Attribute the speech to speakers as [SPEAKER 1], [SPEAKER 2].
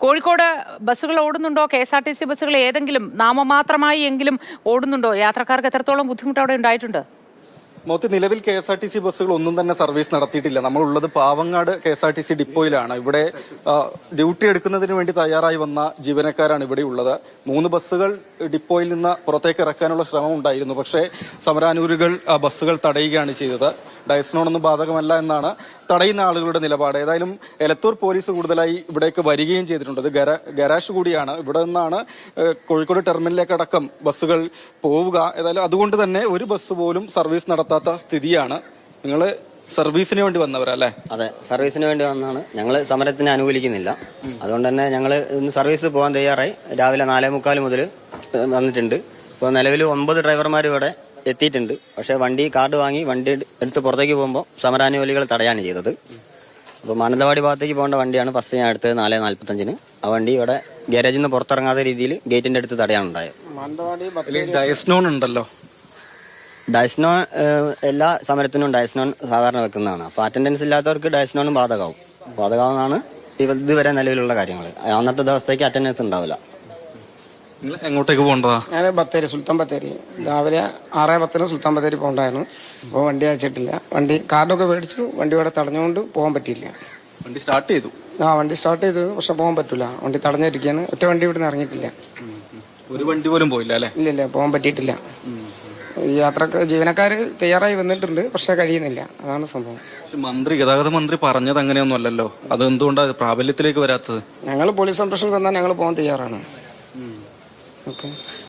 [SPEAKER 1] കോഴിക്കോട് ബസ്സുകൾ ഓടുന്നുണ്ടോ? KSRTC ബസ്സുകൾ ഏതെങ്കിലും നാമമാത്രമായി എങ്കിലും ഓടുന്നുണ്ടോ? യാത്രക്കാർക്ക് എത്രത്തോളം ബുദ്ധിമുട്ട് അവിടെ ഉണ്ടായിട്ടുണ്ട്?
[SPEAKER 2] നിലവിൽ KSRTC ബസ്സുകൾ ഒന്നും തന്നെ സർവീസ് നടത്തിയിട്ടില്ല. നമ്മളുള്ളത് പാവങ്ങാട് KSRTC ഡിപ്പോയിലാണ്. ഇവിടെ ഡ്യൂട്ടി എടുക്കുന്നതിന് വേണ്ടി തയ്യാറായി വന്ന ജീവനക്കാരാണ് ഇവിടെ ഉള്ളത്. 3 ബസ്സുകൾ ഡിപ്പോയിൽ നിന്ന് പുറത്തേക്ക് ഇറക്കാനുള്ള ശ്രമം ഉണ്ടായിരുന്നു. പക്ഷേ സമരാനുകൂലികൾ ബസ്സുകൾ തടയുകയാണ് ചെയ്തത്. ഡയസ്നോണൊന്നും ബാധകമല്ല എന്നാണ് തടയുന്ന ആളുകളുടെ നിലപാട്. ഏതായാലും എലത്തൂർ പോലീസ് കൂടുതലായി ഇവിടേക്ക് വരികയും ചെയ്തിട്ടുണ്ട്. ഇത് ഗരാഷ് കൂടിയാണ്. ഇവിടെ നിന്നാണ് കോഴിക്കോട് ടെർമിനലിലേക്കടക്കം ബസ്സുകൾ പോവുക. ഏതായാലും അതുകൊണ്ട് തന്നെ ഒരു ബസ് പോലും സർവീസ് നടത്താത്ത സ്ഥിതിയാണ്. നിങ്ങൾ സർവീസിന് വേണ്ടി വന്നവരല്ലേ?
[SPEAKER 3] അതെ, സർവീസിന് വേണ്ടി വന്നാണ്. ഞങ്ങൾ സമരത്തിന് അനുകൂലിക്കുന്നില്ല. അതുകൊണ്ട് തന്നെ ഞങ്ങൾ ഇന്ന് സർവീസ് പോകാൻ തയ്യാറായി. രാവിലെ 4:45 മുതൽ വന്നിട്ടുണ്ട്. ഇപ്പോൾ നിലവിൽ 9 ഡ്രൈവർമാർ ഇവിടെ എത്തിയിട്ടുണ്ട്. പക്ഷേ കാർഡ് വാങ്ങി വണ്ടി എടുത്ത് പുറത്തേക്ക് പോകുമ്പോൾ സമരാനുകൂലികൾ തടയാണ് ചെയ്തത്. അപ്പോൾ മാനന്തവാടി ഭാഗത്തേക്ക് പോകേണ്ട വണ്ടിയാണ് ഫസ്റ്റ് ഞാൻ എടുത്തത് 4:45. ആ വണ്ടി ഇവിടെ ഗാരേജിൽ നിന്ന് പുറത്തിറങ്ങാത്ത രീതിയിൽ ഗേറ്റിന്റെ അടുത്ത് തടയാണ് ഉണ്ടായത്.
[SPEAKER 2] ഡയസ്നോൺ ഉണ്ടല്ലോ.
[SPEAKER 3] ഡയസ്നോൺ എല്ലാ സമരത്തിനും ഡയസ്നോൺ സാധാരണ വെക്കുന്നതാണ്. അപ്പോൾ അറ്റൻഡൻസ് ഇല്ലാത്തവർക്ക് ഡയസ്നോണും ബാധകമാവുന്നതാണ് ഇതുവരെ നിലവിലുള്ള കാര്യങ്ങൾ. അന്നത്തെ ദിവസത്തേക്ക് അറ്റൻഡൻസ് ഉണ്ടാവില്ല.
[SPEAKER 2] എങ്ങോട്ടേക്ക് പോകണ്ടതാ?
[SPEAKER 4] ഞാൻ ബത്തേരി, സുൽത്താൻ ബത്തേരി. രാവിലെ 6:10 സുൽത്താൻ ബത്തേരി പോകണ്ടായിരുന്നു. അപ്പോൾ വണ്ടി അയച്ചിട്ടില്ല. കാർഡൊക്കെ മേടിച്ചു. വണ്ടി ഇവിടെ തടഞ്ഞുകൊണ്ട് പോകാൻ പറ്റിയില്ല.
[SPEAKER 2] വണ്ടി സ്റ്റാർട്ട് ചെയ്തു.
[SPEAKER 4] വണ്ടി സ്റ്റാർട്ട് ചെയ്തു, പക്ഷെ പോകാൻ പറ്റില്ല. വണ്ടി തടഞ്ഞിരിക്കുകയാണ്. ഒറ്റ വണ്ടി ഇവിടെ നിന്ന് ഇറങ്ങിയിട്ടില്ല.
[SPEAKER 2] ഒരു വണ്ടി പോലും പോയില്ല അല്ലേ?
[SPEAKER 4] ഇല്ല, പോകാൻ പറ്റിയിട്ടില്ല. ജീവനക്കാർ തയ്യാറായി വന്നിട്ടുണ്ട്, പക്ഷെ കഴിയുന്നില്ല. അതാണ് സംഭവം.
[SPEAKER 2] ഗതാഗത മന്ത്രി പറഞ്ഞത് അങ്ങനെയൊന്നും അല്ലല്ലോ. അത് എന്തുകൊണ്ടാണ് പ്രാബല്യത്തിലേക്ക് വരാത്തത്?
[SPEAKER 4] ഞങ്ങൾ പോലീസ് സംരക്ഷണം തന്നാൽ ഞങ്ങൾ പോകാൻ തയ്യാറാണ്. ഓക്കെ.